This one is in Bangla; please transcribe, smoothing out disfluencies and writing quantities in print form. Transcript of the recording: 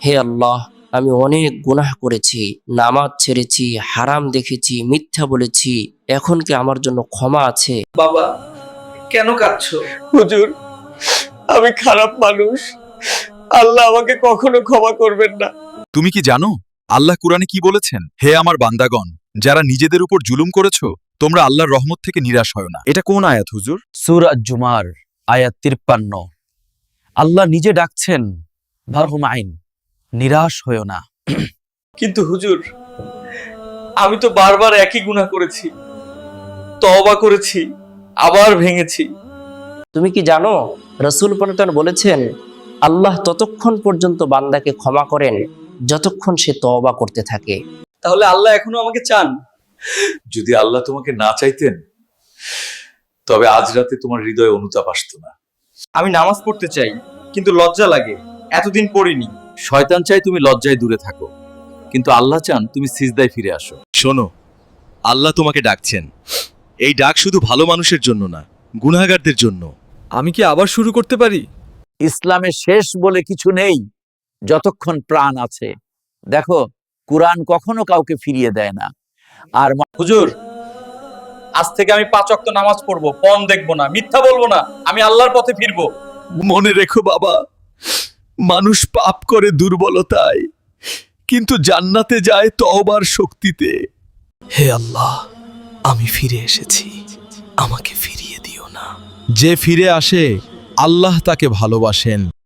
হে আল্লাহ, আমি অনেক গুনাহ করেছি, নামাজ ছেড়েছি, হারাম দেখেছি, মিথ্যা বলেছি, এখন কি আমার জন্য ক্ষমা আছে? বাবা, কেন কাঁদছো? হুজুর, আমি খারাপ মানুষ, আল্লাহ আমাকে কখনো ক্ষমা করবেন না। তুমি কি জানো আল্লাহ কুরআনে কি বলেছেন? হে আমার বান্দাগণ, যারা নিজেদের উপর জুলুম করেছো, তোমরা আল্লাহর রহমত থেকে নিরাশ হয় না। এটা কোন আয়াত হুজুর? সূরা জুমার আয়াত 53। আল্লাহ নিজে ডাকছেন, ভারহুম আইন, নিরাশ হয়েও না। কিন্তু হুজুর, আমি তো বারবার একই গুনাহ করেছি, তওবা করেছি, আবার ভেঙেছি। তুমি কি জানো রাসূল পন্থন বলেছেন, আল্লাহ ততক্ষণ পর্যন্ত বান্দাকে ক্ষমা করেন যতক্ষণ সে তওবা করতে থাকে। তাহলে আল্লাহ এখনো আমাকে চান? যদি আল্লাহ তোমাকে না চাইতেন, তবে আজ রাতে তোমার হৃদয়ে অনুতাপ আসতো না। আমি নামাজ পড়তে চাই, কিন্তু লজ্জা লাগে, এতদিন পড়িনি। শয়তান চাই তুমি লজ্জায় দূরে থাকো, কিন্তু আল্লাহ চান তুমি সিজদায় ফিরে আসো। শোনো, আল্লাহ তোমাকে ডাকছেন। এই ডাক শুধু ভালো মানুষের জন্য না, গুনাহগারদের জন্য। আমি কি আবার শুরু করতে পারি? ইসলামে শেষ বলে কিছু নেই যতক্ষণ প্রাণ আছে। দেখো, কুরআন কখনো কাউকে ফিরিয়ে দেয় না। আর হুজুর, আজ থেকে আমি 5 ওয়াক্ত নামাজ পড়বো, পণ দেখবো না, মিথ্যা বলবো না, আমি আল্লাহর পথে ফিরবো। মনে রেখো বাবা, মানুষ পাপ করে দুর্বলতায়, কিন্তু জান্নাতে যায় তওবার শক্তিতে। হে আল্লাহ, আমি ফিরে এসেছি, আমাকে ফিরিয়ে দিও না। যে ফিরে আসে, আল্লাহ তাকে ভালোবাসেন।